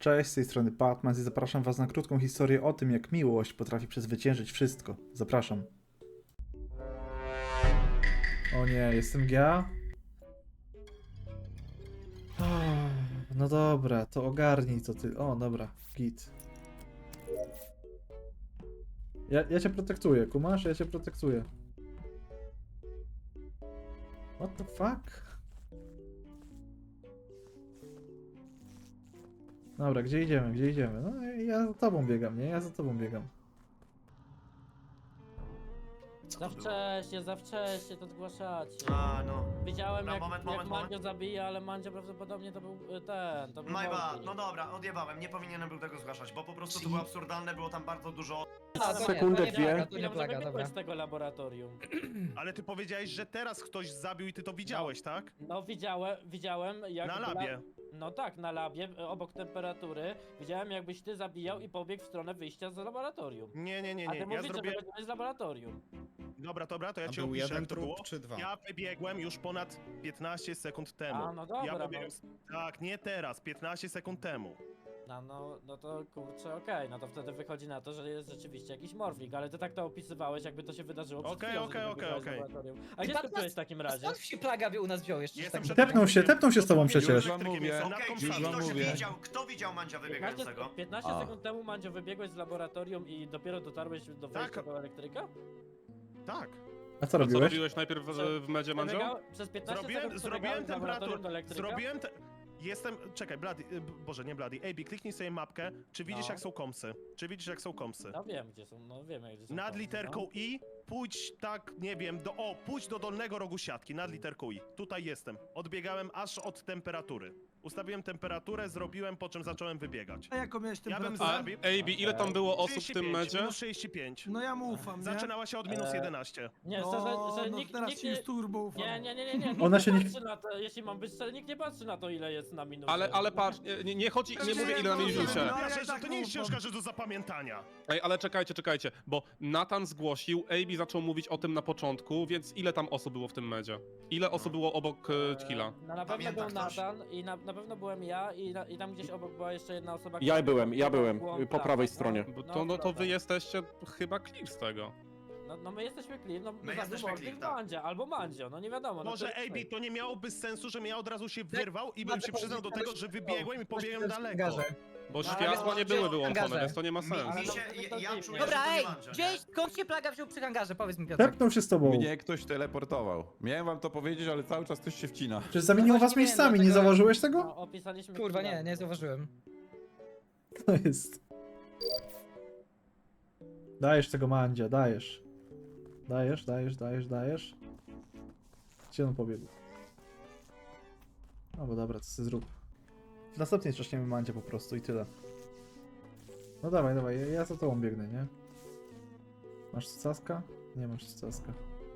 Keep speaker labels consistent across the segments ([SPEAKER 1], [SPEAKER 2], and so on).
[SPEAKER 1] Cześć, z tej strony Batman i zapraszam was na krótką historię o tym, jak miłość potrafi przezwyciężyć wszystko. Zapraszam. O nie, jestem ja? No dobra, to ogarnij to ty. O, dobra, git. Ja cię protektuję, kumasz? Ja cię protektuję. What the fuck? Dobra, gdzie idziemy, gdzie idziemy? No ja za tobą biegam, nie? Ja za tobą biegam.
[SPEAKER 2] Za wcześnie to zgłaszacie.
[SPEAKER 3] A, no.
[SPEAKER 2] Widziałem
[SPEAKER 3] No,
[SPEAKER 2] jak,
[SPEAKER 3] moment,
[SPEAKER 2] jak
[SPEAKER 3] moment,
[SPEAKER 2] Mandzio
[SPEAKER 3] moment.
[SPEAKER 2] zabija, ale Mandzio prawdopodobnie to był to był
[SPEAKER 3] My bad.
[SPEAKER 2] Morfin.
[SPEAKER 3] No dobra, odjebałem, nie powinienem był tego zgłaszać, bo po prostu to było absurdalne, było tam bardzo dużo...
[SPEAKER 4] Sekundę, dwie.
[SPEAKER 2] To nie plaga, dobra. Z tego laboratorium.
[SPEAKER 5] Ale ty powiedziałeś, że teraz ktoś zabił i ty to widziałeś, tak?
[SPEAKER 2] No widziałem jak...
[SPEAKER 5] Na labie.
[SPEAKER 2] No tak, na labie, obok temperatury. Widziałem jakbyś ty zabijał i pobiegł w stronę wyjścia z laboratorium.
[SPEAKER 5] Nie,
[SPEAKER 2] A ty
[SPEAKER 5] ja
[SPEAKER 2] mówisz,
[SPEAKER 5] zrobiłem...
[SPEAKER 2] że wybiegłeś z laboratorium.
[SPEAKER 5] Dobra, to ja
[SPEAKER 6] A
[SPEAKER 5] ci
[SPEAKER 6] był
[SPEAKER 5] opiszę,
[SPEAKER 6] jeden
[SPEAKER 5] jak to
[SPEAKER 6] trup
[SPEAKER 5] było.
[SPEAKER 6] czy dwa?
[SPEAKER 5] Ja wybiegłem już ponad 15 sekund temu.
[SPEAKER 2] A, no dobra,
[SPEAKER 5] Ja
[SPEAKER 2] no.
[SPEAKER 5] pobiegłem... Tak, nie teraz, 15 sekund temu.
[SPEAKER 2] No to kurczę, okej, no to wtedy wychodzi na to, że jest rzeczywiście jakiś morflik, ale ty tak to opisywałeś, jakby to się wydarzyło przed
[SPEAKER 5] Okej,
[SPEAKER 2] chwilą,
[SPEAKER 5] okej,
[SPEAKER 2] że ty
[SPEAKER 5] okej,
[SPEAKER 2] wybiegałeś z
[SPEAKER 5] okej.
[SPEAKER 2] laboratorium. A gdzie ty byłeś w takim razie?
[SPEAKER 7] Skąd się plaga u nas wziął jeszcze?
[SPEAKER 5] Jestem
[SPEAKER 7] tak
[SPEAKER 5] przed-
[SPEAKER 1] Tepnął się z tobą przecież.
[SPEAKER 6] Już wam mówię.
[SPEAKER 5] nad
[SPEAKER 3] Okej,
[SPEAKER 5] komsami.
[SPEAKER 3] czyli
[SPEAKER 6] wam
[SPEAKER 3] ktoś
[SPEAKER 6] mówię.
[SPEAKER 3] kto widział Mandzia wybiegającego?
[SPEAKER 2] 15
[SPEAKER 6] A.
[SPEAKER 2] sekund temu, Mandzio, wybiegłeś z laboratorium i dopiero dotarłeś do wejścia
[SPEAKER 5] Tak.
[SPEAKER 2] do elektryka?
[SPEAKER 5] Tak.
[SPEAKER 1] A co
[SPEAKER 8] Co
[SPEAKER 1] robiłeś?
[SPEAKER 8] robiłeś najpierw w medzie, Mandzio?
[SPEAKER 2] Przez 15
[SPEAKER 5] Zrobiłem
[SPEAKER 2] sekund przebiegałeś z laboratorium do elektryka?
[SPEAKER 5] Zrobiłem te... Jestem... Czekaj, Bloody... Boże, nie Bloody. AB, kliknij sobie mapkę. Czy widzisz,
[SPEAKER 2] No.
[SPEAKER 5] jak są komsy? Czy widzisz, jak są komsy?
[SPEAKER 2] No wiem gdzie są, no wiemy gdzie są.
[SPEAKER 5] Nad
[SPEAKER 2] komsy,
[SPEAKER 5] literką
[SPEAKER 2] no.
[SPEAKER 5] I, pójdź tak, nie wiem, pójdź do dolnego rogu siatki, nad literką I. Tutaj jestem. Odbiegałem aż od temperatury. Ustawiłem temperaturę, zrobiłem, po czym zacząłem wybiegać.
[SPEAKER 9] A jaką miałeś
[SPEAKER 5] Ja bym
[SPEAKER 9] temperaturę?
[SPEAKER 5] zabił...
[SPEAKER 8] AB, ile tam było osób w tym
[SPEAKER 5] 35,
[SPEAKER 8] medzie?
[SPEAKER 5] minus 65.
[SPEAKER 9] No ja mu ufam, nie?
[SPEAKER 5] Zaczynała się od minus 11.
[SPEAKER 2] Nie,
[SPEAKER 9] No,
[SPEAKER 2] szczerze, że
[SPEAKER 9] no
[SPEAKER 2] nikt,
[SPEAKER 9] teraz
[SPEAKER 2] nikt
[SPEAKER 9] ci już turbo ufam.
[SPEAKER 2] nie.
[SPEAKER 1] Ona się nie-
[SPEAKER 2] patrzy na to, jeśli mam być szczery, nikt nie patrzy na to ile jest na minusie.
[SPEAKER 8] Ale patrz, nie chodzi, nie mówię ile na minusie.
[SPEAKER 9] No, ja
[SPEAKER 5] Ja, że
[SPEAKER 9] tak
[SPEAKER 5] to nie jest
[SPEAKER 9] ufam.
[SPEAKER 5] książka, że do zapamiętania.
[SPEAKER 8] Ej, ale czekajcie, bo Nathan zgłosił, AB zaczął mówić o tym na początku, więc ile tam osób było w tym medzie? Ile osób było obok Killa?
[SPEAKER 2] No na pewno
[SPEAKER 3] Pamięta
[SPEAKER 2] był
[SPEAKER 3] ktoś?
[SPEAKER 2] Nathan i na pewno byłem ja i tam gdzieś obok była jeszcze jedna osoba.
[SPEAKER 4] Ja byłem,
[SPEAKER 2] była
[SPEAKER 4] po
[SPEAKER 2] prawa,
[SPEAKER 4] prawej
[SPEAKER 2] no.
[SPEAKER 4] stronie.
[SPEAKER 8] Bo
[SPEAKER 2] No,
[SPEAKER 8] to wy jesteście chyba clear z tego.
[SPEAKER 2] No my jesteśmy clear, no
[SPEAKER 3] My jesteśmy clear, tak.
[SPEAKER 2] Mandzia, albo Mandzio, no nie wiadomo. No
[SPEAKER 5] Może
[SPEAKER 2] to jest
[SPEAKER 5] AB, to nie miałoby sensu, żebym ja od razu się
[SPEAKER 7] Tak,
[SPEAKER 5] wyrwał i bym się przyznał do tego, że wybiegłem i pobiegłem daleko.
[SPEAKER 8] Bo
[SPEAKER 2] No, ale
[SPEAKER 8] światła nie były wyłączone,
[SPEAKER 7] hangarze.
[SPEAKER 8] więc to nie ma sensu.
[SPEAKER 2] Ale
[SPEAKER 3] Mi
[SPEAKER 2] no,
[SPEAKER 3] się,
[SPEAKER 2] to
[SPEAKER 3] ja
[SPEAKER 2] dziwnie.
[SPEAKER 3] czuję,
[SPEAKER 7] Dobra,
[SPEAKER 3] że to nie
[SPEAKER 7] ej,
[SPEAKER 3] Mandzio,
[SPEAKER 7] gdzieś,
[SPEAKER 3] nie?
[SPEAKER 7] skąd się plaga wziął przy hangarze? Powiedz mi, Piotrek.
[SPEAKER 1] Tepnął się z tobą.
[SPEAKER 6] Mnie ktoś teleportował. Miałem wam to powiedzieć, ale cały czas ktoś się wcina.
[SPEAKER 1] Przecież zamieniło was
[SPEAKER 7] Właśnie nie wiem,
[SPEAKER 1] miejscami, nie
[SPEAKER 7] dlatego-
[SPEAKER 1] zauważyłeś tego?
[SPEAKER 2] No, opisaliśmy
[SPEAKER 7] Kurwa,
[SPEAKER 2] chwilę.
[SPEAKER 7] nie zauważyłem.
[SPEAKER 1] To jest... Dajesz tego Mandzia, dajesz. Dajesz. Gdzie on pobiegł? No bo dobra, to sobie zrób. W następnej trzaśniemy Mandzia po prostu i tyle. No dawaj, ja za tobą biegnę, nie? Masz caska? Nie masz caska.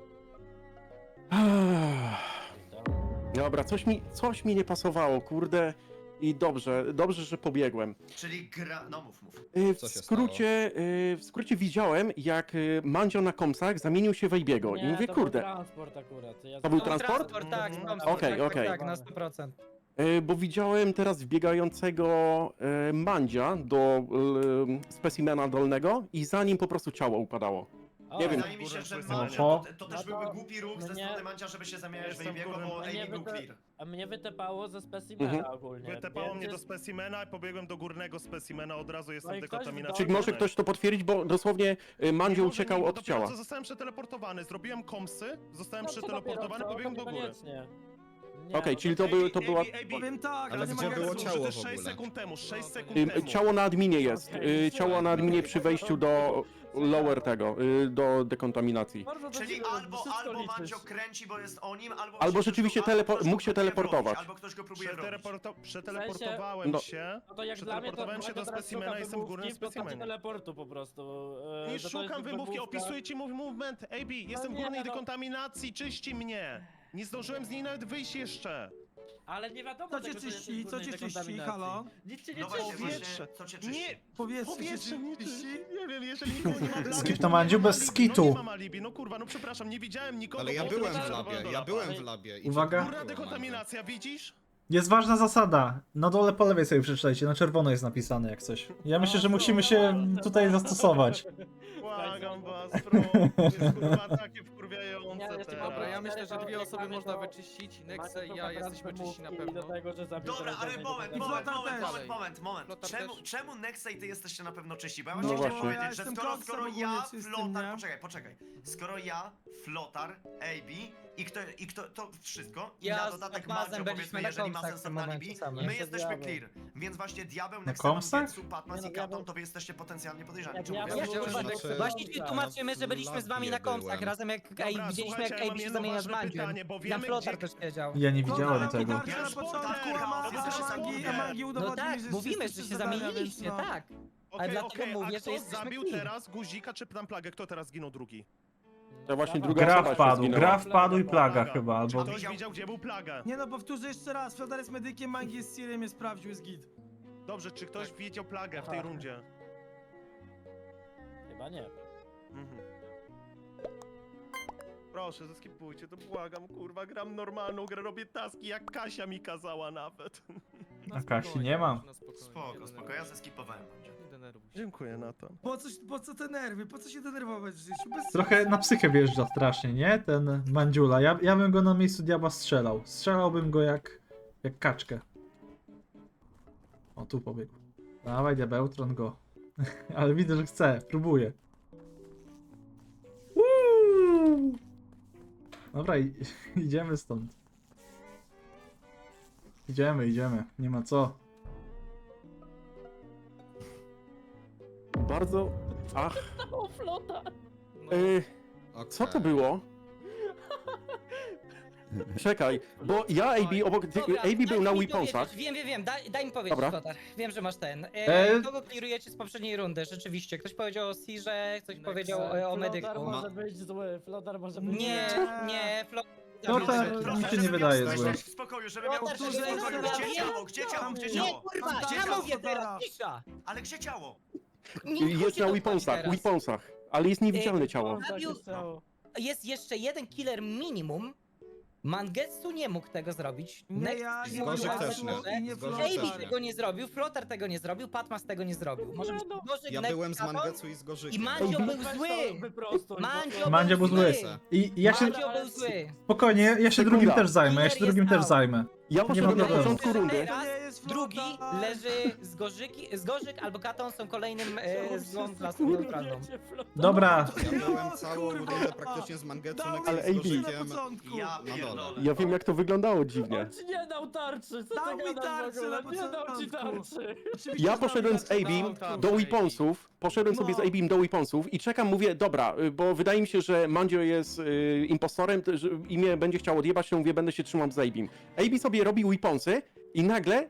[SPEAKER 4] Dobra, coś mi nie pasowało, kurde. I dobrze, że pobiegłem.
[SPEAKER 3] Czyli gra... No mów.
[SPEAKER 6] Co się
[SPEAKER 4] W skrócie widziałem, jak Mandzio na komsach zamienił się w Ejbiego. I
[SPEAKER 2] Nie,
[SPEAKER 4] mówię,
[SPEAKER 2] to
[SPEAKER 4] kurde,
[SPEAKER 2] był transport akurat. Ja
[SPEAKER 4] To był
[SPEAKER 7] No,
[SPEAKER 4] transport?
[SPEAKER 7] Tak,
[SPEAKER 2] Mhm.
[SPEAKER 7] transport,
[SPEAKER 4] Okej,
[SPEAKER 7] tak,
[SPEAKER 4] okej.
[SPEAKER 7] tak, na 100%.
[SPEAKER 4] bo widziałem teraz wbiegającego Mandzia do specimena dolnego i za nim po prostu ciało upadało. Nie wiem.
[SPEAKER 3] Wydaje mi się, że
[SPEAKER 5] Kurwa,
[SPEAKER 3] Mandzio, to też
[SPEAKER 2] no to-
[SPEAKER 3] byłby głupi ruch
[SPEAKER 2] no
[SPEAKER 3] ze
[SPEAKER 2] nie.
[SPEAKER 3] strony Mandzia, żeby się zamieniać w
[SPEAKER 5] Jestem
[SPEAKER 3] Ejbiego,
[SPEAKER 5] kurwa-
[SPEAKER 3] bo
[SPEAKER 2] Nie,
[SPEAKER 3] Ejbi był
[SPEAKER 2] to-
[SPEAKER 3] clear.
[SPEAKER 2] A mnie wytepało ze specimena
[SPEAKER 4] Mhm.
[SPEAKER 2] ogólnie.
[SPEAKER 5] Wytepało
[SPEAKER 2] więc
[SPEAKER 5] mnie do
[SPEAKER 2] jest-
[SPEAKER 5] specimena i pobiegłem do górnego specimena, od razu
[SPEAKER 2] No
[SPEAKER 5] jestem
[SPEAKER 2] i ktoś
[SPEAKER 5] dekontaminacji.
[SPEAKER 4] Czy może ktoś to potwierdzić, bo dosłownie Mandzio uciekał od ciała.
[SPEAKER 5] Co zostałem przeteleportowany, zrobiłem komsy, zostałem
[SPEAKER 2] No, co
[SPEAKER 5] przeteleportowany,
[SPEAKER 2] dopiero,
[SPEAKER 5] pobiegłem
[SPEAKER 2] to
[SPEAKER 5] do góry.
[SPEAKER 2] niekoniecznie. Nie,
[SPEAKER 4] Okej,
[SPEAKER 2] no
[SPEAKER 4] czyli
[SPEAKER 2] to-
[SPEAKER 4] to była...
[SPEAKER 9] Powiem tak,
[SPEAKER 6] Ale
[SPEAKER 9] nie
[SPEAKER 6] gdzie
[SPEAKER 9] mogę
[SPEAKER 6] było
[SPEAKER 9] służyć.
[SPEAKER 6] ciało?
[SPEAKER 5] To
[SPEAKER 6] w
[SPEAKER 5] 6
[SPEAKER 6] ogóle?
[SPEAKER 5] sekund temu, 6 sekund
[SPEAKER 4] Y,
[SPEAKER 5] temu.
[SPEAKER 4] Ciało na adminie jest.
[SPEAKER 2] Okej,
[SPEAKER 4] Ciało na adminie przy wejściu do lower tego, do dekontaminacji.
[SPEAKER 2] Bardzo to
[SPEAKER 3] Czyli
[SPEAKER 2] się-
[SPEAKER 3] albo
[SPEAKER 2] wszystko liczysz.
[SPEAKER 3] Mandzio kręci, bo jest o nim, albo...
[SPEAKER 4] Albo
[SPEAKER 3] się
[SPEAKER 4] rzeczywiście
[SPEAKER 3] ktoś go
[SPEAKER 4] mógł się
[SPEAKER 3] próbuje
[SPEAKER 4] teleportować.
[SPEAKER 3] wrobić, Albo ktoś go próbuje wrobić.
[SPEAKER 5] Przeteleportowałem
[SPEAKER 4] No.
[SPEAKER 5] się.
[SPEAKER 2] No to jak dla mnie to
[SPEAKER 5] Przeteleportowałem się
[SPEAKER 2] Mandzio
[SPEAKER 5] do
[SPEAKER 2] teraz
[SPEAKER 5] specimena,
[SPEAKER 2] szuka
[SPEAKER 5] jestem w górnym
[SPEAKER 2] wymówki w postaci
[SPEAKER 5] specimenie.
[SPEAKER 2] teleportu po prostu.
[SPEAKER 5] Nie
[SPEAKER 2] że to
[SPEAKER 5] szukam
[SPEAKER 2] jest
[SPEAKER 5] wymówki,
[SPEAKER 2] wymówka.
[SPEAKER 5] opisuję ci mój movement. AB, jestem w
[SPEAKER 2] nie,
[SPEAKER 5] górnej
[SPEAKER 2] no.
[SPEAKER 5] dekontaminacji, czyści mnie. Nie zdążyłem z niej nawet wyjść jeszcze.
[SPEAKER 2] Ale nie wiadomo
[SPEAKER 9] Co cię
[SPEAKER 2] tego, że
[SPEAKER 9] czyści?
[SPEAKER 2] jesteś w
[SPEAKER 9] Co cię
[SPEAKER 2] górnej
[SPEAKER 9] czyści?
[SPEAKER 2] dekontaminacji.
[SPEAKER 9] Halo?
[SPEAKER 2] Nic cię nie
[SPEAKER 3] No właśnie,
[SPEAKER 2] czyści.
[SPEAKER 5] Powietrze.
[SPEAKER 3] co cię czyści?
[SPEAKER 5] Nie,
[SPEAKER 9] Powietrze
[SPEAKER 5] powietrze
[SPEAKER 9] cię
[SPEAKER 5] mnie
[SPEAKER 9] czyści?
[SPEAKER 5] czyści. Nie wiem, jeżeli nikogo nie ma w labie,
[SPEAKER 1] Skip
[SPEAKER 5] to
[SPEAKER 1] to
[SPEAKER 5] nie
[SPEAKER 1] Mandziu
[SPEAKER 5] mam
[SPEAKER 1] bez
[SPEAKER 5] alibi.
[SPEAKER 1] skitu.
[SPEAKER 5] No nie mam alibi, no kurwa, no przepraszam, nie widziałem nikogo.
[SPEAKER 6] Ale ja
[SPEAKER 5] bo
[SPEAKER 6] byłem
[SPEAKER 5] jestem
[SPEAKER 6] w
[SPEAKER 5] zarejestrowany
[SPEAKER 6] labie,
[SPEAKER 5] do
[SPEAKER 6] ja
[SPEAKER 5] laba.
[SPEAKER 6] byłem w labie. I
[SPEAKER 1] Uwaga.
[SPEAKER 6] co
[SPEAKER 5] Górna
[SPEAKER 6] było,
[SPEAKER 5] dekontaminacja, widzisz?
[SPEAKER 1] Jest ważna zasada. Na dole po lewej sobie przeczytajcie, na czerwono jest napisane jak coś. Ja myślę, że musimy się tutaj zastosować.
[SPEAKER 5] Błagam was, bro. Jest kurwa takie wkurwiające
[SPEAKER 2] Nie, jeszcze
[SPEAKER 5] teraz.
[SPEAKER 9] Dobra, ja myślę, że
[SPEAKER 2] Cztery
[SPEAKER 9] dwie osoby
[SPEAKER 2] mamy
[SPEAKER 9] można
[SPEAKER 2] to-
[SPEAKER 9] wyczyścić. Nexe i
[SPEAKER 2] Macie
[SPEAKER 9] ja
[SPEAKER 2] to
[SPEAKER 9] jesteśmy
[SPEAKER 2] naprawdę
[SPEAKER 9] czyści na
[SPEAKER 2] mówki
[SPEAKER 9] pewno.
[SPEAKER 2] do tego, że zabił
[SPEAKER 3] Dobra, ale
[SPEAKER 2] teraz
[SPEAKER 3] moment,
[SPEAKER 2] będzie
[SPEAKER 3] moment,
[SPEAKER 2] tak
[SPEAKER 3] moment,
[SPEAKER 2] dalej.
[SPEAKER 3] moment.
[SPEAKER 9] Flotar
[SPEAKER 3] Czemu,
[SPEAKER 9] też.
[SPEAKER 3] czemu Nexe i ty jesteście na pewno czyści? Bo ja
[SPEAKER 4] No
[SPEAKER 3] właśnie chciałem
[SPEAKER 4] właśnie.
[SPEAKER 3] powiedzieć, że
[SPEAKER 10] Ja
[SPEAKER 3] skoro,
[SPEAKER 10] jestem
[SPEAKER 3] skoro
[SPEAKER 10] koksem
[SPEAKER 3] ja,
[SPEAKER 10] ogólnie czystym,
[SPEAKER 3] Flotar,
[SPEAKER 10] nie?
[SPEAKER 3] poczekaj. Skoro ja, Flotar, AB i kto, to wszystko, i
[SPEAKER 7] Ja
[SPEAKER 3] na
[SPEAKER 7] z
[SPEAKER 3] dodatek
[SPEAKER 7] Patmazem
[SPEAKER 3] Mandzio,
[SPEAKER 7] byliśmy
[SPEAKER 3] powiedzmy,
[SPEAKER 7] na
[SPEAKER 3] jeżeli ma
[SPEAKER 7] komsach w
[SPEAKER 3] sens
[SPEAKER 7] tym
[SPEAKER 3] na
[SPEAKER 7] momencie
[SPEAKER 3] alibi,
[SPEAKER 7] samym.
[SPEAKER 3] my
[SPEAKER 2] Ja
[SPEAKER 3] jesteśmy
[SPEAKER 2] diabeł.
[SPEAKER 3] clear. Więc właśnie Diabeł,
[SPEAKER 1] Na
[SPEAKER 3] Nexe,
[SPEAKER 1] komsach?
[SPEAKER 3] Mangetsu, Patmas
[SPEAKER 2] Nie,
[SPEAKER 3] i
[SPEAKER 2] no,
[SPEAKER 3] Katon,
[SPEAKER 2] diabeł-
[SPEAKER 3] to wy jesteście potencjalnie podejrzani.
[SPEAKER 2] Ja
[SPEAKER 3] Czemu
[SPEAKER 2] diabeł-
[SPEAKER 3] wy
[SPEAKER 7] Ja
[SPEAKER 3] jesteście
[SPEAKER 2] Znaczy-
[SPEAKER 3] podejrzani?
[SPEAKER 7] właśnie ci tłumaczymy, że byliśmy z wami na komsach razem jak
[SPEAKER 5] Dobra,
[SPEAKER 7] widzieliśmy
[SPEAKER 5] słuchajcie,
[SPEAKER 7] jak
[SPEAKER 5] ja mam
[SPEAKER 7] AB się
[SPEAKER 5] jedno
[SPEAKER 7] zamienia z
[SPEAKER 5] ważne
[SPEAKER 7] Mandziem.
[SPEAKER 5] pytanie, bo
[SPEAKER 7] Tam
[SPEAKER 5] wiemy,
[SPEAKER 7] Flotar
[SPEAKER 5] gdzie-
[SPEAKER 7] też wiedział.
[SPEAKER 1] Ja nie widziałem
[SPEAKER 10] Flotar
[SPEAKER 1] tego.
[SPEAKER 10] Mangi
[SPEAKER 3] Ja
[SPEAKER 10] na
[SPEAKER 3] już
[SPEAKER 10] początku,
[SPEAKER 3] tak,
[SPEAKER 10] a
[SPEAKER 3] jesteś
[SPEAKER 10] Mangi
[SPEAKER 3] zabijany.
[SPEAKER 7] No
[SPEAKER 10] udowodnił,
[SPEAKER 7] tak,
[SPEAKER 10] że
[SPEAKER 7] mówimy,
[SPEAKER 10] jesteście
[SPEAKER 7] że się
[SPEAKER 10] zadania,
[SPEAKER 7] zamieniliście,
[SPEAKER 10] więc no.
[SPEAKER 7] tak.
[SPEAKER 5] Okej,
[SPEAKER 7] dlatego
[SPEAKER 5] okej,
[SPEAKER 7] mówię,
[SPEAKER 5] a
[SPEAKER 7] że
[SPEAKER 5] kto
[SPEAKER 7] jesteśmy
[SPEAKER 5] zabił
[SPEAKER 7] clean.
[SPEAKER 5] teraz Guzika czy tam plagę? Kto teraz zginął drugi?
[SPEAKER 4] To właśnie
[SPEAKER 2] Dawaj.
[SPEAKER 4] druga
[SPEAKER 1] Gra
[SPEAKER 4] osoba się
[SPEAKER 1] wpadł,
[SPEAKER 4] zginęła.
[SPEAKER 1] gra wpadł i plaga
[SPEAKER 5] Plaga.
[SPEAKER 1] chyba,
[SPEAKER 5] Czy
[SPEAKER 1] albo...
[SPEAKER 5] ktoś widział, gdzie był plaga?
[SPEAKER 10] Nie no, powtórzę jeszcze raz, Flotar jest medykiem, Mangi jest Sirem, jest sprawdził, jest git.
[SPEAKER 5] Dobrze, czy ktoś widział plagę w tej
[SPEAKER 2] Aha.
[SPEAKER 5] rundzie?
[SPEAKER 2] Chyba nie.
[SPEAKER 5] Mhm. Proszę, zeskipujcie, to błagam, kurwa, gram normalną grę, robię taski, jak Kasia mi kazała nawet.
[SPEAKER 1] A Kasi nie ma.
[SPEAKER 9] Na spokojnie,
[SPEAKER 3] Spoko,
[SPEAKER 9] nie
[SPEAKER 3] spoko, ja
[SPEAKER 9] denerwuj
[SPEAKER 3] zeskipowałem.
[SPEAKER 9] się, nie denerwuj się.
[SPEAKER 5] Dziękuję, Nathan.
[SPEAKER 10] Po co te nerwy? Po co się denerwować w życiu? Bez
[SPEAKER 1] Trochę
[SPEAKER 10] sensu.
[SPEAKER 1] na psychę wjeżdża strasznie, nie? Ten Mandziula. Ja bym go na miejscu diabła strzelał. Strzelałbym go jak kaczkę. O, tu pobiegł. Dawaj, diabełtron go. Ale widzę, że chce. Próbuję. Uuu. Dobra, idziemy stąd. Idziemy. Nie ma co.
[SPEAKER 4] Bardzo... Ach,
[SPEAKER 2] O, flota!
[SPEAKER 9] No,
[SPEAKER 4] co to było? Czekaj, bo ja AB obok...
[SPEAKER 7] Dobra,
[SPEAKER 4] AB był
[SPEAKER 7] dajcie
[SPEAKER 4] na
[SPEAKER 7] mi
[SPEAKER 4] Weaponsach.
[SPEAKER 7] powiedzieć. Wiem, daj mi powiedzieć,
[SPEAKER 4] Dobra.
[SPEAKER 7] Flotar. Wiem, że masz ten.
[SPEAKER 1] E-
[SPEAKER 7] Kogo klirujecie z poprzedniej rundy? Rzeczywiście. Ktoś powiedział o Sirze, ktoś
[SPEAKER 9] Nexe.
[SPEAKER 7] powiedział o medyku.
[SPEAKER 2] Flotar może być zły, flotar może być
[SPEAKER 7] Nie,
[SPEAKER 2] zły.
[SPEAKER 7] nie, Flotar.
[SPEAKER 1] Flotar mi się nie wydaje zły.
[SPEAKER 3] W spokoju, żeby miał
[SPEAKER 7] Flotar,
[SPEAKER 3] w
[SPEAKER 7] żeby
[SPEAKER 3] spokoju.
[SPEAKER 7] miał-
[SPEAKER 3] Gdzie ciało? Gdzie ciało? Gdzie
[SPEAKER 10] Nie,
[SPEAKER 7] Nie,
[SPEAKER 3] ciało?
[SPEAKER 7] kurwa,
[SPEAKER 3] Gdzie
[SPEAKER 7] ja
[SPEAKER 3] ciało?
[SPEAKER 7] mówię teraz, cisza!
[SPEAKER 3] Ale gdzie ciało?
[SPEAKER 7] Nie
[SPEAKER 4] Jest
[SPEAKER 7] chodzi
[SPEAKER 4] na
[SPEAKER 7] o to
[SPEAKER 4] Weaponsach,
[SPEAKER 7] teraz.
[SPEAKER 4] Weaponsach. Ale jest niewidzialne ciało.
[SPEAKER 2] Tak
[SPEAKER 7] Zabił-
[SPEAKER 2] jest ciało.
[SPEAKER 7] Jest jeszcze jeden killer minimum. Mangetsu nie mógł tego zrobić.
[SPEAKER 10] Nie,
[SPEAKER 7] Next
[SPEAKER 10] ja
[SPEAKER 7] nie
[SPEAKER 10] nie
[SPEAKER 7] mógł
[SPEAKER 9] Zgorzyk
[SPEAKER 10] mogę,
[SPEAKER 9] też nie.
[SPEAKER 10] i nie
[SPEAKER 9] Zgorzyk
[SPEAKER 10] Flotar.
[SPEAKER 9] też
[SPEAKER 7] AB
[SPEAKER 9] nie.
[SPEAKER 7] tego nie zrobił, Flotar tego nie zrobił, Patmas tego nie zrobił. Może być
[SPEAKER 2] no.
[SPEAKER 7] Gorzyk,
[SPEAKER 9] Ja
[SPEAKER 7] Next,
[SPEAKER 9] byłem z
[SPEAKER 7] Katon
[SPEAKER 9] Mangetsu i z
[SPEAKER 7] i
[SPEAKER 9] Gorzykiem.
[SPEAKER 7] Mandzio
[SPEAKER 1] AB?
[SPEAKER 7] był
[SPEAKER 2] Weź to
[SPEAKER 7] zły!
[SPEAKER 2] wyprostuj,
[SPEAKER 7] Mandzio
[SPEAKER 1] Mandzio był zły.
[SPEAKER 9] zły.
[SPEAKER 1] I ja się...
[SPEAKER 7] Mandzio był zły.
[SPEAKER 1] Spokojnie, ja się
[SPEAKER 4] Sekunda.
[SPEAKER 1] drugim też zajmę, ja się
[SPEAKER 7] Killer
[SPEAKER 1] drugim
[SPEAKER 7] jest
[SPEAKER 1] też
[SPEAKER 7] out.
[SPEAKER 1] zajmę.
[SPEAKER 4] Ja poszedłem na
[SPEAKER 1] problemu.
[SPEAKER 4] początku rundy.
[SPEAKER 7] Teraz
[SPEAKER 10] To nie jest
[SPEAKER 7] drugi
[SPEAKER 10] Flotar.
[SPEAKER 7] leży z Gorzyk albo Katon są kolejnym złą klasą neutralną.
[SPEAKER 1] Dobra,
[SPEAKER 9] Ja byłem
[SPEAKER 10] No,
[SPEAKER 9] całą
[SPEAKER 10] kurwa.
[SPEAKER 9] rundę praktycznie z Mangetsu,
[SPEAKER 10] Dał
[SPEAKER 9] Nexe
[SPEAKER 10] mi
[SPEAKER 4] Ale
[SPEAKER 9] z
[SPEAKER 4] AB.
[SPEAKER 10] na
[SPEAKER 9] Gorzykiem.
[SPEAKER 10] początku.
[SPEAKER 3] Ja
[SPEAKER 9] Na dole.
[SPEAKER 3] pierdolę.
[SPEAKER 4] Ja wiem jak to wyglądało dziwnie.
[SPEAKER 2] On ci nie dał tarczy, co
[SPEAKER 10] Dał
[SPEAKER 2] ty
[SPEAKER 10] mi
[SPEAKER 2] gadasz w
[SPEAKER 10] tarczę
[SPEAKER 2] ogóle?
[SPEAKER 10] na
[SPEAKER 2] Nie dał ci
[SPEAKER 10] początku.
[SPEAKER 2] tarczy.
[SPEAKER 10] Oczywiście
[SPEAKER 4] Ja
[SPEAKER 10] znam
[SPEAKER 4] poszedłem z
[SPEAKER 10] tarczę
[SPEAKER 4] AB
[SPEAKER 10] na
[SPEAKER 4] do Weaponsów, poszedłem sobie z
[SPEAKER 10] No.
[SPEAKER 4] AB do Weaponsów i czekam, mówię, dobra, bo wydaje mi się, że Mandzio jest impostorem, że i mnie będzie chciał odjebać, to mówię, będę się trzymał z AB'im. AB sobie robi Weaponsy i nagle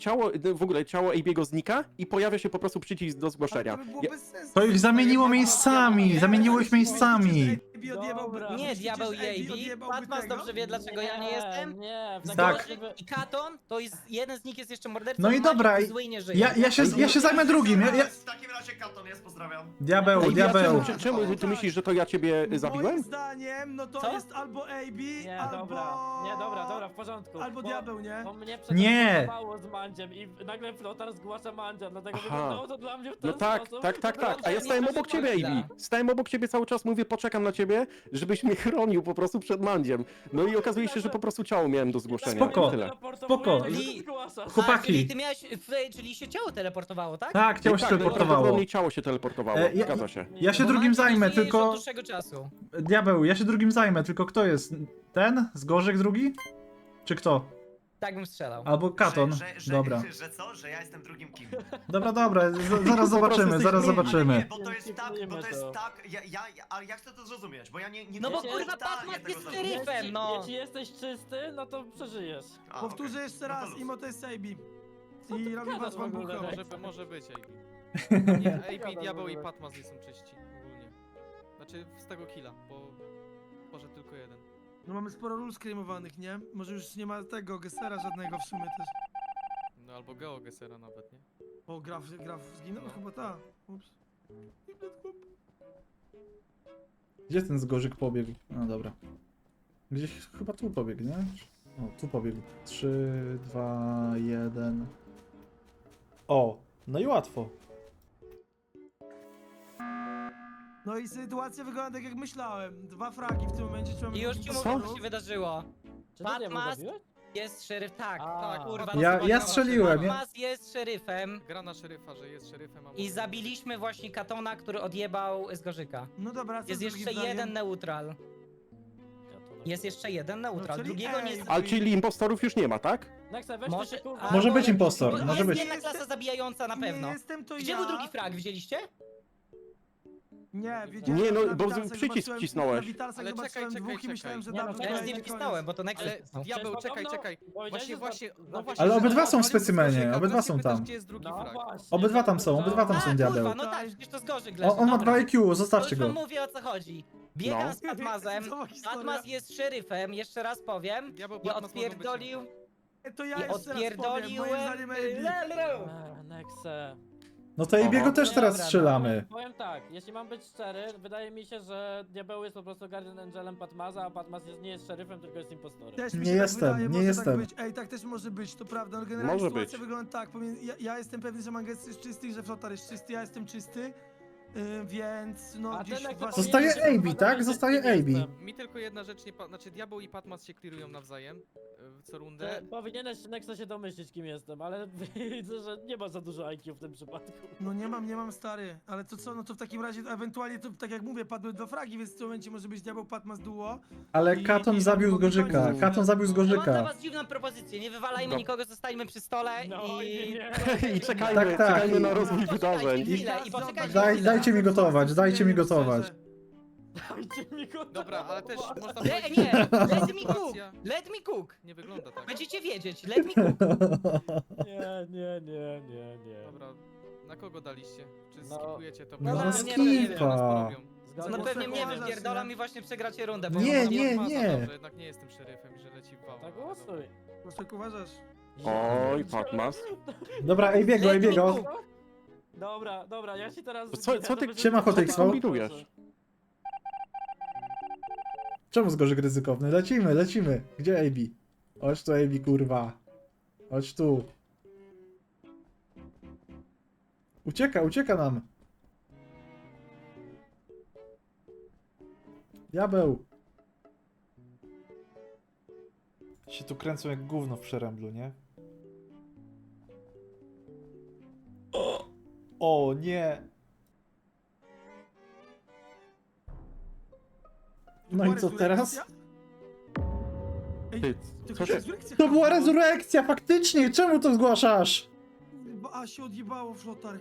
[SPEAKER 4] w ogóle ciało AB'ego znika i pojawia się po prostu przycisk do zgłoszenia.
[SPEAKER 10] Ale to by było
[SPEAKER 4] Ja,
[SPEAKER 10] bez sensu.
[SPEAKER 1] to ich zamieniło miejscami, zamieniło ich miejscami.
[SPEAKER 10] AB odjebałby-
[SPEAKER 2] Dobra.
[SPEAKER 7] Nie,
[SPEAKER 10] myślicie,
[SPEAKER 7] diabeł
[SPEAKER 10] że AB
[SPEAKER 7] i AB.
[SPEAKER 10] odjebałby
[SPEAKER 7] Patmas
[SPEAKER 10] tego?
[SPEAKER 7] dobrze wie, dlaczego ja nie jestem.
[SPEAKER 2] Nie, w
[SPEAKER 1] Tak.
[SPEAKER 2] takim
[SPEAKER 7] I Katon, to jest jeden z nich jest jeszcze mordercą.
[SPEAKER 1] No i
[SPEAKER 7] Mandzio
[SPEAKER 1] dobra,
[SPEAKER 7] był zły i nie żyje.
[SPEAKER 1] Ja się zajmę drugim.
[SPEAKER 3] W takim razie Katon jest, pozdrawiam.
[SPEAKER 1] Diabeł,
[SPEAKER 4] AB,
[SPEAKER 1] diabeł.
[SPEAKER 4] czemu ty myślisz, że to ja ciebie zabiłem?
[SPEAKER 10] Moim zdaniem, no to
[SPEAKER 7] Co?
[SPEAKER 10] jest albo AB,
[SPEAKER 2] Nie,
[SPEAKER 10] albo...
[SPEAKER 2] dobra, w porządku.
[SPEAKER 10] Albo
[SPEAKER 2] Bo-
[SPEAKER 10] diabeł, nie?
[SPEAKER 2] Bo mnie
[SPEAKER 1] Nie.
[SPEAKER 2] przeteleportowało z Mandziem i nagle flotar zgłasza Mandzia, dlatego
[SPEAKER 4] Aha.
[SPEAKER 2] wyglądało to dla mnie w ten
[SPEAKER 4] No tak,
[SPEAKER 2] sposób.
[SPEAKER 4] tak. A ja
[SPEAKER 7] nie
[SPEAKER 4] stałem
[SPEAKER 7] proszę
[SPEAKER 4] obok ciebie,
[SPEAKER 7] bardzo.
[SPEAKER 4] AB. Stałem obok ciebie cały czas, mówię, poczekam na ciebie, żebyś mnie chronił po prostu przed Mandziem. No i okazuje się, że po prostu ciało miałem do zgłoszenia.
[SPEAKER 1] Spoko.
[SPEAKER 4] I tyle.
[SPEAKER 1] Spoko.
[SPEAKER 7] I-
[SPEAKER 2] Zgłaszasz.
[SPEAKER 1] Chłopaki.
[SPEAKER 7] Czyli ty miałeś, czyli się ciało teleportowało, tak?
[SPEAKER 1] Tak, ciało się
[SPEAKER 4] Tak,
[SPEAKER 1] teleportowało.
[SPEAKER 4] prawdopodobnie ciało się teleportowało,
[SPEAKER 1] Ja-
[SPEAKER 4] zgadza się.
[SPEAKER 1] Ja się
[SPEAKER 7] Bo
[SPEAKER 1] drugim
[SPEAKER 7] Mandzio
[SPEAKER 1] zajmę,
[SPEAKER 7] żyje już
[SPEAKER 1] tylko...
[SPEAKER 7] od dłuższego czasu.
[SPEAKER 1] Diabeł, ja się drugim zajmę, tylko kto jest? Ten? Zgorzyk drugi? Czy kto?
[SPEAKER 7] Tak bym strzelał.
[SPEAKER 1] Albo Katon. Dobra.
[SPEAKER 3] Że co? Że ja jestem drugim kim?
[SPEAKER 1] Dobra, zaraz zobaczymy, zaraz
[SPEAKER 3] Ale nie,
[SPEAKER 1] zobaczymy.
[SPEAKER 3] bo to jest tak, bo to jest
[SPEAKER 2] to.
[SPEAKER 3] tak, ale ja chcę to zrozumieć, bo ja nie
[SPEAKER 7] No bo
[SPEAKER 3] jestem
[SPEAKER 7] kurwa,
[SPEAKER 3] totalnie
[SPEAKER 7] Patmas
[SPEAKER 3] tego
[SPEAKER 7] jest
[SPEAKER 3] zrozumieć.
[SPEAKER 7] szeryfem, no.
[SPEAKER 2] Jeśli jesteś czysty, no to przeżyjesz.
[SPEAKER 3] A,
[SPEAKER 10] Powtórzę
[SPEAKER 3] okej.
[SPEAKER 10] jeszcze
[SPEAKER 3] No to
[SPEAKER 10] raz,
[SPEAKER 3] luz.
[SPEAKER 10] Imo to jest AB.
[SPEAKER 2] Co ty
[SPEAKER 10] I robi
[SPEAKER 2] gadasz
[SPEAKER 10] was
[SPEAKER 2] w ogóle,
[SPEAKER 10] bambukowo.
[SPEAKER 2] Rex?
[SPEAKER 9] Może być AB.
[SPEAKER 2] Nie,
[SPEAKER 9] Nie,
[SPEAKER 2] gadasz
[SPEAKER 9] AB,
[SPEAKER 2] w
[SPEAKER 9] Diabeł i
[SPEAKER 2] ogóle.
[SPEAKER 9] Patmas nie są czyści ogólnie. Znaczy z tego killa, bo poszedł tylko jeden.
[SPEAKER 10] No mamy sporo ról skrymowanych, nie? Może już nie ma tego Gessera żadnego w sumie też.
[SPEAKER 9] No albo GeoGesera nawet, nie?
[SPEAKER 10] O, Graf zginął?
[SPEAKER 9] No.
[SPEAKER 10] Chyba ta. Ups.
[SPEAKER 1] Gdzie ten Zgorzyk pobiegł? No dobra. Gdzieś chyba tu pobiegł, nie? O, tu pobiegł. 3, 2, 1. O, no i łatwo.
[SPEAKER 10] No i sytuacja wygląda tak jak myślałem. 2 fragi w tym momencie trzeba
[SPEAKER 7] I już ci
[SPEAKER 10] impostorów.
[SPEAKER 7] mówię, co się wydarzyło.
[SPEAKER 2] Czy ty nie
[SPEAKER 7] Patmas
[SPEAKER 2] zabiłeś?
[SPEAKER 7] jest szeryf, tak.
[SPEAKER 2] A,
[SPEAKER 7] Kurwa,
[SPEAKER 1] Ja strzeliłem, ja.
[SPEAKER 7] Patmas jest szeryfem
[SPEAKER 9] Gra na szeryfa, że jest szeryfem, a
[SPEAKER 7] i
[SPEAKER 9] może-
[SPEAKER 7] zabiliśmy właśnie Katona, który odjebał z Gorzyka.
[SPEAKER 10] No dobra, co
[SPEAKER 7] Jest
[SPEAKER 10] z drugim
[SPEAKER 7] jeszcze
[SPEAKER 10] zdaniem?
[SPEAKER 7] jeden neutral. Jest jeszcze jeden neutral,
[SPEAKER 10] czyli
[SPEAKER 7] drugiego
[SPEAKER 10] ej,
[SPEAKER 7] nie...
[SPEAKER 4] Ale czyli impostorów już nie ma, tak?
[SPEAKER 2] Nexe, weź
[SPEAKER 7] Może-
[SPEAKER 2] to się kurwa.
[SPEAKER 7] a,
[SPEAKER 1] Może być
[SPEAKER 7] bo-
[SPEAKER 1] impostor,
[SPEAKER 7] bo
[SPEAKER 1] może
[SPEAKER 7] jest
[SPEAKER 1] być.
[SPEAKER 7] jedna klasa zabijająca na pewno.
[SPEAKER 10] Nie jestem to
[SPEAKER 7] Gdzie
[SPEAKER 10] ja.
[SPEAKER 7] był drugi frag, widzieliście?
[SPEAKER 10] Nie, wiedziałem.
[SPEAKER 4] Nie, no,
[SPEAKER 10] na
[SPEAKER 4] bo
[SPEAKER 10] Witalsach
[SPEAKER 4] przycisk
[SPEAKER 10] zobaczyłem-
[SPEAKER 4] wcisnąłeś.
[SPEAKER 10] Na Witalsach
[SPEAKER 9] Ale
[SPEAKER 10] zobaczyłem
[SPEAKER 9] czekaj,
[SPEAKER 10] dwóch i
[SPEAKER 9] czekaj,
[SPEAKER 10] myślałem, że
[SPEAKER 2] czekaj.
[SPEAKER 10] double
[SPEAKER 2] Nie, no,
[SPEAKER 7] Ja
[SPEAKER 10] kill
[SPEAKER 7] nic nie
[SPEAKER 10] i koniec.
[SPEAKER 7] wcisnąłem, bo to Nexus
[SPEAKER 9] Ale
[SPEAKER 7] wcisnął.
[SPEAKER 9] diabeł,
[SPEAKER 2] Przecież
[SPEAKER 9] czekaj,
[SPEAKER 2] podobno
[SPEAKER 9] czekaj.
[SPEAKER 2] powiedziałeś,
[SPEAKER 9] Właśnie,
[SPEAKER 2] że
[SPEAKER 9] właśnie,
[SPEAKER 2] za-
[SPEAKER 9] no
[SPEAKER 2] za-
[SPEAKER 9] właśnie.
[SPEAKER 1] Ale
[SPEAKER 9] że
[SPEAKER 1] obydwa są w
[SPEAKER 9] zawalił
[SPEAKER 1] specimenie,
[SPEAKER 9] Gorzyka,
[SPEAKER 1] obydwa
[SPEAKER 9] teraz
[SPEAKER 1] są
[SPEAKER 9] się pytasz,
[SPEAKER 1] tam.
[SPEAKER 9] Gdzie jest drugi
[SPEAKER 2] No
[SPEAKER 9] frag?
[SPEAKER 2] właśnie.
[SPEAKER 1] Obydwa tam są, obydwa tam są,
[SPEAKER 7] A,
[SPEAKER 1] diabeł.
[SPEAKER 7] kurwa, no tak, przecież to z Gorzyk leży.
[SPEAKER 1] On ma
[SPEAKER 7] Dobra.
[SPEAKER 1] 2 IQ,
[SPEAKER 7] To
[SPEAKER 1] zostawcie
[SPEAKER 7] już
[SPEAKER 1] go.
[SPEAKER 7] wam mówię, o co chodzi. Biegam
[SPEAKER 4] No.
[SPEAKER 7] z Patmazem,
[SPEAKER 10] Cała historia.
[SPEAKER 7] Patmaz jest szeryfem, jeszcze raz powiem.
[SPEAKER 9] Diabeł,
[SPEAKER 7] I
[SPEAKER 9] Patmas mogą być-
[SPEAKER 7] odpierdolił...
[SPEAKER 10] To
[SPEAKER 7] I
[SPEAKER 10] ja jeszcze raz powiem, moim
[SPEAKER 7] odpierdoliłem...
[SPEAKER 10] zdaniem AB.
[SPEAKER 2] Nexe.
[SPEAKER 1] No to Ibiego też teraz
[SPEAKER 7] Dobra,
[SPEAKER 1] strzelamy.
[SPEAKER 2] Powiem tak, jeśli mam być szczery, wydaje mi się, że Diabeł jest po prostu Guardian Angelem Patmaza, a Patmaz nie jest szeryfem, tylko jest impostorem.
[SPEAKER 10] Też mi
[SPEAKER 1] Nie
[SPEAKER 10] się tak
[SPEAKER 1] jestem,
[SPEAKER 10] wydaje,
[SPEAKER 1] nie
[SPEAKER 10] może
[SPEAKER 1] jestem.
[SPEAKER 10] Tak być. Ej, tak też może być, to prawda. No generalnie
[SPEAKER 4] Może
[SPEAKER 10] sytuacja
[SPEAKER 4] być.
[SPEAKER 10] wygląda tak. Ja jestem pewny, że Mangetsu jest czysty i że Flotar jest czysty, ja jestem czysty. Więc no
[SPEAKER 2] A
[SPEAKER 10] gdzieś
[SPEAKER 2] ten, jak
[SPEAKER 10] właśnie...
[SPEAKER 1] Zostaje
[SPEAKER 2] powinien się
[SPEAKER 1] AB,
[SPEAKER 2] kurwa
[SPEAKER 1] tak?
[SPEAKER 2] dowiedzieć,
[SPEAKER 1] Zostaje
[SPEAKER 2] kim
[SPEAKER 1] AB.
[SPEAKER 2] jestem.
[SPEAKER 9] Mi tylko jedna rzecz nie... Znaczy, Diabeł i Patmas się clearują nawzajem co rundę.
[SPEAKER 2] Powinieneś Nexe się domyślić, kim jestem, ale widzę, że nie ma za dużo IQ w tym przypadku.
[SPEAKER 10] No nie mam stary, ale to co, no to w takim razie ewentualnie to tak jak mówię, padły 2 fragi, więc w tym momencie może być Diabeł Patmas duo.
[SPEAKER 1] Ale
[SPEAKER 10] I-
[SPEAKER 1] Katon
[SPEAKER 10] i
[SPEAKER 1] zabił z
[SPEAKER 10] mogą
[SPEAKER 1] Gorzyka.
[SPEAKER 10] kończyć.
[SPEAKER 1] Katon zabił z
[SPEAKER 7] Ja mam dla
[SPEAKER 1] Gorzyka.
[SPEAKER 7] was dziwną propozycję, nie wywalajmy
[SPEAKER 4] No.
[SPEAKER 7] nikogo, zostańmy przy stole
[SPEAKER 2] No
[SPEAKER 7] i...
[SPEAKER 4] I czekajmy,
[SPEAKER 1] Tak, tak.
[SPEAKER 4] czekajmy na rozwój
[SPEAKER 7] Poczekajcie
[SPEAKER 4] wydarzeń.
[SPEAKER 7] chwilę i poczekajcie
[SPEAKER 1] Daj-
[SPEAKER 7] chwilę.
[SPEAKER 1] dajcie mi gotować, dajcie mi gotować.
[SPEAKER 2] Dajcie mi go
[SPEAKER 9] Dobra, ale też można
[SPEAKER 7] Nie,
[SPEAKER 9] powiedzieć,
[SPEAKER 7] nie,
[SPEAKER 9] że
[SPEAKER 7] let me cook,
[SPEAKER 9] sytuacja
[SPEAKER 7] let me cook.
[SPEAKER 9] nie wygląda tak.
[SPEAKER 7] Będziecie wiedzieć, let me cook.
[SPEAKER 2] Nie.
[SPEAKER 9] Dobra, na kogo daliście? Czy
[SPEAKER 2] No.
[SPEAKER 9] skipujecie to?
[SPEAKER 7] No,
[SPEAKER 9] Bo
[SPEAKER 7] na
[SPEAKER 9] nie
[SPEAKER 7] skipa.
[SPEAKER 9] wiem, ile nas porobią.
[SPEAKER 7] No
[SPEAKER 2] Zgadza
[SPEAKER 7] pewnie
[SPEAKER 2] się.
[SPEAKER 7] mnie
[SPEAKER 10] Zgadza się.
[SPEAKER 7] wypierdolam i właśnie przegracie rundę, bo
[SPEAKER 1] Nie,
[SPEAKER 7] ja mam-
[SPEAKER 1] nie,
[SPEAKER 9] Patmasa,
[SPEAKER 1] nie.
[SPEAKER 9] Dobrze, jednak nie jestem szeryfem i że leci w wał.
[SPEAKER 2] Tak głosuj.
[SPEAKER 10] Jak uważasz?
[SPEAKER 4] Oj, Patmas.
[SPEAKER 1] Dobra, Abiego.
[SPEAKER 2] Dobra, ja się teraz...
[SPEAKER 4] Co- co ty-
[SPEAKER 2] ja to
[SPEAKER 1] Siema,
[SPEAKER 2] będę-
[SPEAKER 1] Hotexo.
[SPEAKER 4] kombinujesz?
[SPEAKER 1] Czemu z Gorzyk ryzykowny? Lecimy. Gdzie AB? Chodź tu, AB, kurwa. Chodź tu. Ucieka nam. Diabeł. Się tu kręcą jak gówno w przeręblu, nie? O nie. No i co teraz?
[SPEAKER 4] Ty, co się...
[SPEAKER 1] To była rezurekcja, faktycznie! Czemu to zgłaszasz?
[SPEAKER 10] A się odjebało, Flotar.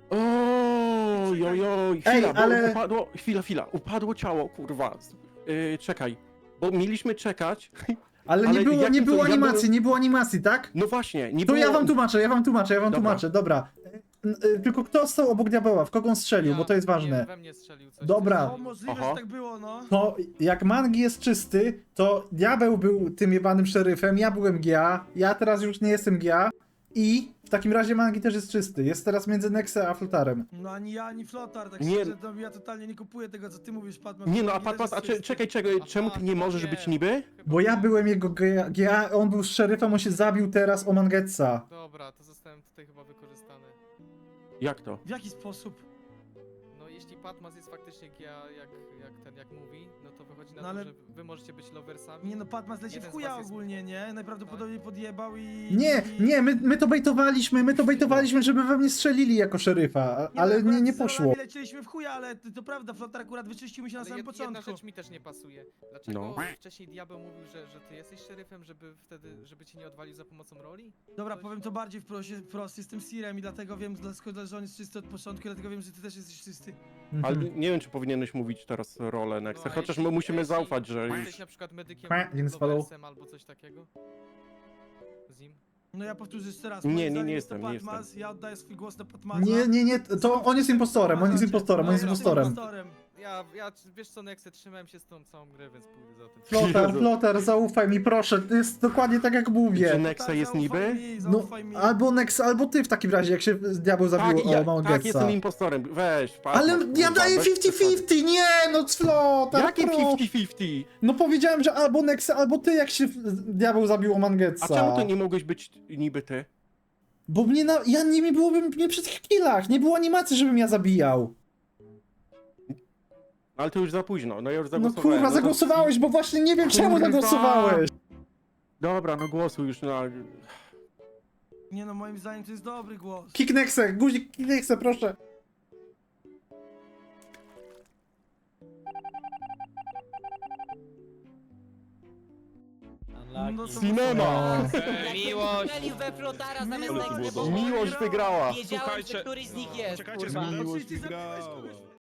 [SPEAKER 4] Oj,
[SPEAKER 1] Ej,
[SPEAKER 4] chwila, bo
[SPEAKER 1] ale-
[SPEAKER 4] upadło... Chwila, upadło ciało, kurwa. Czekaj, bo mieliśmy czekać...
[SPEAKER 1] Ale
[SPEAKER 4] Ale
[SPEAKER 1] nie
[SPEAKER 4] jakie
[SPEAKER 1] było
[SPEAKER 4] to- ja
[SPEAKER 1] animacji,
[SPEAKER 4] byłem-
[SPEAKER 1] nie było animacji, tak?
[SPEAKER 4] No właśnie, nie
[SPEAKER 1] To
[SPEAKER 4] było...
[SPEAKER 1] ja wam tłumaczę,
[SPEAKER 4] Dobra.
[SPEAKER 1] tłumaczę, dobra. Tylko kto stał obok diabeła, w kogo on strzelił, bo to jest ważne.
[SPEAKER 9] Nie, we mnie strzelił coś.
[SPEAKER 1] Dobra.
[SPEAKER 10] O, możliwe,
[SPEAKER 4] Aha.
[SPEAKER 10] że tak było, no.
[SPEAKER 1] To jak Mangi jest czysty, to diabeł był tym jebanym szeryfem, ja byłem GA, ja teraz już nie jestem GA i w takim razie Mangi też jest czysty. Jest teraz między Nexe a Flotarem.
[SPEAKER 10] No ani ja, ani Flotar, tak
[SPEAKER 4] Nie.
[SPEAKER 10] szczerze, to ja totalnie nie kupuję tego, co ty mówisz, Patman.
[SPEAKER 4] Nie no, a
[SPEAKER 10] Mangi też
[SPEAKER 4] Patmas, a
[SPEAKER 10] jest czysty.
[SPEAKER 4] czekaj, czemu ty nie możesz być niby?
[SPEAKER 1] Bo ja byłem jego GA, on był szeryfem, on się zabił teraz o Mangetsa.
[SPEAKER 9] Dobra, to zostałem tutaj chyba wykorzystany.
[SPEAKER 4] Jak to?
[SPEAKER 10] W jaki sposób?
[SPEAKER 9] No jeśli Patmas jest faktycznie jak mówi, no to wychodzi na
[SPEAKER 10] No
[SPEAKER 9] to,
[SPEAKER 10] ale-
[SPEAKER 9] że wy możecie być loversami.
[SPEAKER 10] Nie no, Patmas leci w
[SPEAKER 9] Jeden z
[SPEAKER 10] chuja
[SPEAKER 9] was jest-
[SPEAKER 10] ogólnie, nie? Najprawdopodobniej podjebał i...
[SPEAKER 1] Nie, my to bejtowaliśmy, żeby we mnie strzelili jako szeryfa, ale
[SPEAKER 10] akurat
[SPEAKER 1] nie
[SPEAKER 10] z
[SPEAKER 1] poszło.
[SPEAKER 10] rolami lecieliśmy w chuja, ale to prawda, Flotar akurat wyczyścił mi się na
[SPEAKER 9] Ale
[SPEAKER 10] samym
[SPEAKER 9] jedna
[SPEAKER 10] początku.
[SPEAKER 9] rzecz mi też nie pasuje. Dlaczego
[SPEAKER 4] No.
[SPEAKER 9] wcześniej Diabeł mówił, że ty jesteś szeryfem, żeby cię nie odwalił za pomocą roli?
[SPEAKER 10] Dobra,
[SPEAKER 9] Coś-
[SPEAKER 10] powiem to bardziej wprost, jestem Sirem i dlatego wiem, że on jest czysty od początku, i dlatego wiem, że ty też jesteś czysty.
[SPEAKER 4] Ale
[SPEAKER 1] Mhm.
[SPEAKER 4] nie wiem, czy powinieneś mówić teraz rolę Nexa,
[SPEAKER 9] No, a
[SPEAKER 4] chociaż
[SPEAKER 9] jeśli-
[SPEAKER 4] my musimy
[SPEAKER 9] jeśli
[SPEAKER 4] zaufać, że
[SPEAKER 9] Jesteś
[SPEAKER 4] już...
[SPEAKER 9] na przykład medykiem,
[SPEAKER 1] Jeden spadł.
[SPEAKER 9] loversem albo coś takiego? Zim?
[SPEAKER 10] No ja powtórzę jeszcze raz.
[SPEAKER 4] Nie,
[SPEAKER 10] moim
[SPEAKER 4] nie
[SPEAKER 10] zdaniem
[SPEAKER 4] nie
[SPEAKER 10] jest to
[SPEAKER 4] jestem, nie
[SPEAKER 10] Patmas,
[SPEAKER 4] jestem.
[SPEAKER 10] ja oddaję swój głos na Patmasa.
[SPEAKER 1] Nie, to on jest impostorem,
[SPEAKER 10] No, ja jestem
[SPEAKER 1] impostorem.
[SPEAKER 10] impostorem.
[SPEAKER 9] ja wiesz co, Nexe, trzymałem się z tą całą grę, więc pójdę za tym.
[SPEAKER 1] Flotar, zaufaj mi, proszę, to jest dokładnie tak jak
[SPEAKER 4] Czy
[SPEAKER 1] mówię.
[SPEAKER 4] Nexa jest niby?
[SPEAKER 1] No,
[SPEAKER 10] Zaufaj mi.
[SPEAKER 1] albo Nex, albo ty w takim razie, jak się diabeł zabił
[SPEAKER 4] Tak,
[SPEAKER 1] o
[SPEAKER 4] tak,
[SPEAKER 1] Mangetsa.
[SPEAKER 4] jestem impostorem. Weź, patrz.
[SPEAKER 1] Ale
[SPEAKER 4] kurwa,
[SPEAKER 1] ja daję
[SPEAKER 4] bez przesady.
[SPEAKER 1] 50-50, nie no, Flotar,
[SPEAKER 4] Jakie
[SPEAKER 1] pro.
[SPEAKER 4] 50-50?
[SPEAKER 1] No powiedziałem, że albo Nex, albo ty, jak się diabeł zabił o Mangetsa.
[SPEAKER 4] A czemu to nie mogłeś być niby ty?
[SPEAKER 1] Bo mnie ja nie byłoby mnie przy tych killach, nie było animacji, żebym ja zabijał.
[SPEAKER 4] Ale to już za późno, no ja już
[SPEAKER 1] No
[SPEAKER 4] zagłosowałem.
[SPEAKER 1] kurwa,
[SPEAKER 4] to-
[SPEAKER 1] zagłosowałeś, bo właśnie nie wiem czemu
[SPEAKER 4] Kurwa.
[SPEAKER 1] zagłosowałeś.
[SPEAKER 4] Dobra, no głosuj już na...
[SPEAKER 10] Nie no, moim zdaniem to jest dobry głos.
[SPEAKER 1] Kick Nexę, guzik kick Nexę, proszę.
[SPEAKER 10] No
[SPEAKER 2] Unlucky.
[SPEAKER 10] to
[SPEAKER 4] Cinema!
[SPEAKER 7] Miłość! we Flotara zamiast
[SPEAKER 6] Ale to było
[SPEAKER 7] Nexy,
[SPEAKER 6] dobre.
[SPEAKER 7] bo
[SPEAKER 4] Miłość wygrała!
[SPEAKER 7] wiedziałem,
[SPEAKER 8] Słuchajcie,
[SPEAKER 7] że któryś z nich jest,
[SPEAKER 5] Czekajcie,
[SPEAKER 7] kurwa.
[SPEAKER 5] miłość
[SPEAKER 10] Ty zabiłeś kogoś.